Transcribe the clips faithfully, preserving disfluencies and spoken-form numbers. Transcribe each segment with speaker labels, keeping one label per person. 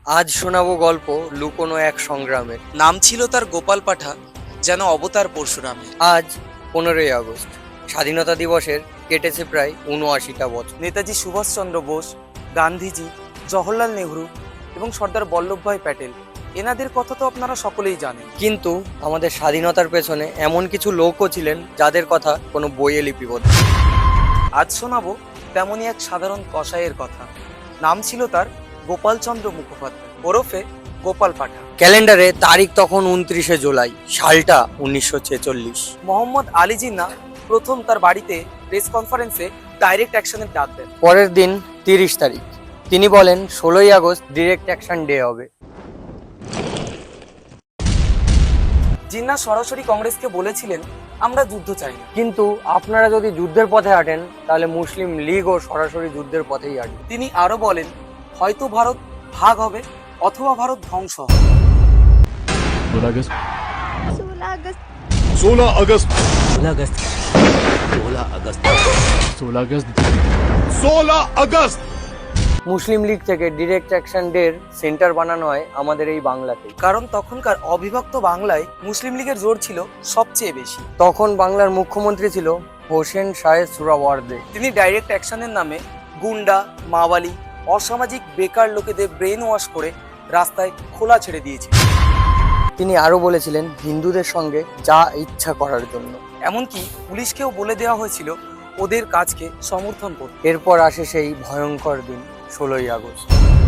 Speaker 1: আজ শোনাবো গল্প লুকোনো এক সংগ্রামের।
Speaker 2: নাম ছিল তার গোপাল পাঠা, যেন অবতার পরশুরামের।
Speaker 1: আজ পনেরোই আগস্ট, স্বাধীনতা দিবসের কেটেছে প্রায় উনআশিটা বছর।
Speaker 2: নেতাজি সুভাষচন্দ্র বোস, গান্ধীজি, জওহরলাল নেহরু এবং সর্দার বল্লভভাই প্যাটেল, এনাদের কথা তো আপনারা সকলেই জানেন।
Speaker 1: কিন্তু আমাদের স্বাধীনতার পেছনে এমন কিছু লোকও ছিলেন যাদের কথা কোনো বইয়ে লিপিবদ্ধ।
Speaker 2: আজ শোনাবো তেমনই এক সাধারণ কসাইয়ের কথা। নাম ছিল তার গোপালচন্দ্র মুখোপাধ্যায়, ওরফে গোপাল পাঠা।
Speaker 1: ক্যালেন্ডারে তারিখ তখন উনত্রিশে জুলাই, সালটা উনিশশো ছেচল্লিশ।
Speaker 2: মোহাম্মদ আলী জিন্না প্রথম তার বাড়িতে প্রেস কনফারেন্সে ডাইরেক্ট অ্যাকশনের ডাক দেন।
Speaker 1: পরের দিন তিরিশ তারিখ তিনি বলেন ষোলোই আগস্ট ডিরেক্ট অ্যাকশন ডে হবে।
Speaker 2: জিন্না সরাসরি কংগ্রেসকে বলেছিলেন, আমরা যুদ্ধ চাই না।
Speaker 1: কিন্তু আপনারা যদি যুদ্ধের পথে হাঁটেন তাহলে মুসলিম লীগও সরাসরি যুদ্ধের পথেই হাঁটবে।
Speaker 2: তিনি আরো বলেন, হয়তো ভারত ভাগ হবে অথবা ভারত ধ্বংস হবে।
Speaker 3: सोलह अगस्त
Speaker 4: सोलह अगस्त
Speaker 3: सोलह अगस्त
Speaker 5: सोलह अगस्त सोलह अगस्त
Speaker 3: सोलह अगस्त सोलह अगस्त
Speaker 1: মুসলিম লীগ থেকে ডিরেক্ট অ্যাকশন ডের সেন্টার বানানো হয় আমাদের এই বাংলাতে।
Speaker 2: কারণ তখনকার অবিভক্ত বাংলায় মুসলিম লীগের জোর ছিল সবচেয়ে বেশি।
Speaker 1: তখন বাংলার মুখ্যমন্ত্রী ছিল হোসেন শাহেদ সুহরাওয়ার্দী।
Speaker 2: তিনি ডাইরেক্ট অ্যাকশনের নামে গুন্ডা, মাওয়ালি, অসামাজিক বেকার লোকেদের ব্রেন ওয়াশ করে রাস্তায় খোলা ছেড়ে দিয়েছে।
Speaker 1: তিনি আরো বলেছিলেন হিন্দুদের সঙ্গে যা ইচ্ছা করার জন্য।
Speaker 2: এমনকি পুলিশকেও বলে দেওয়া হয়েছিল ওদের কাজকে সমর্থন করতে।
Speaker 1: এরপর আসে সেই ভয়ঙ্কর দিন ষোলোই আগস্ট।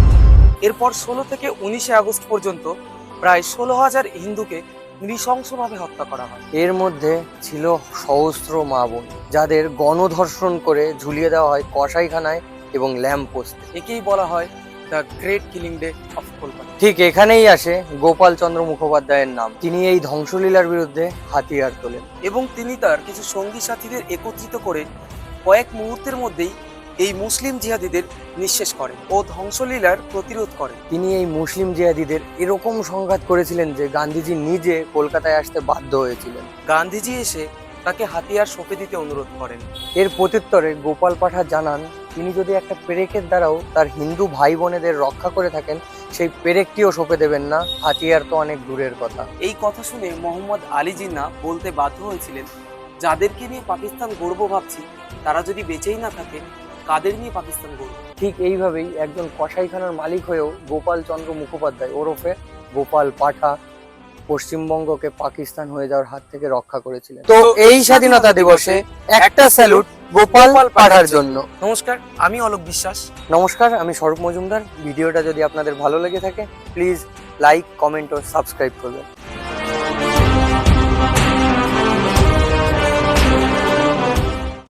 Speaker 2: এরপর ষোলো থেকে উনিশে আগস্ট পর্যন্ত প্রায় ষোলো হাজার হিন্দুকে নৃশংসভাবে হত্যা করা হয়।
Speaker 1: এর মধ্যে ছিল সহস্র মা বোন, যাদের গণধর্ষণ করে ঝুলিয়ে দেওয়া হয় কসাইখানায় এবং ল্যাম্প পোস্টে।
Speaker 2: একেই বলা হয় the great killing day of Kolkata.
Speaker 1: ঠিক এখানেই আসে গোপাল চন্দ্র মুখোপাধ্যায়ের নাম। তিনি এই ধ্বংসলীলার বিরুদ্ধে হাতিয়ার তোলেন
Speaker 2: এবং তিনি তার কিছু সঙ্গী সাথীদের একত্রিত করে কয়েক মুহূর্তের মধ্যেই এই মুসলিম জিহাদিদের নিঃশেষ করেন ও ধ্বংসলীলার প্রতিরোধ করেন।
Speaker 1: তিনি এই মুসলিম জিহাদিদের এরকম সংঘাত করেছিলেন যে গান্ধীজি নিজে কলকাতায় আসতে বাধ্য হয়েছিলেন।
Speaker 2: গান্ধীজি এসে তাকে হাতিয়ার সঁপে দিতে অনুরোধ করেন।
Speaker 1: এর প্রত্যুত্তরে গোপাল পাঠা জানান তিনি যদি একটা পেরেকের দ্বারাও তার হিন্দু ভাই বোনেদের রক্ষা করে থাকেন, সেই পেরেকটিও সঁপে দেবেন না, হাতিয়ার তো অনেক দূরের কথা।
Speaker 2: এই কথা শুনে মোহাম্মদ আলী জিন্নাহ বলতে বাধ্য হয়েছিলেন, যাদেরকে নিয়ে পাকিস্তান গর্ব ভাবছি তারা যদি বেঁচেই না থাকে, কাদের নিয়ে পাকিস্তান গর্ব।
Speaker 1: ঠিক এইভাবেই একজন কসাইখানার মালিক হয়েও গোপাল চন্দ্র মুখোপাধ্যায় ওরফে গোপাল পাঠা পশ্চিমবঙ্গকে পাকিস্তান হয়ে যাওয়ার হাত থেকে রক্ষা করেছিলেন। তো এই স্বাধীনতা দিবসে একটা স্যালুট গোপাল পাঠার জন্য।
Speaker 2: নমস্কার, আমি অলোক বিশ্বাস।
Speaker 1: নমস্কার, আমি স্বরূপ মজুমদার। ভিডিওটা যদি আপনাদের ভালো লেগে থাকে প্লিজ লাইক, কমেন্ট ও সাবস্ক্রাইব করবেন।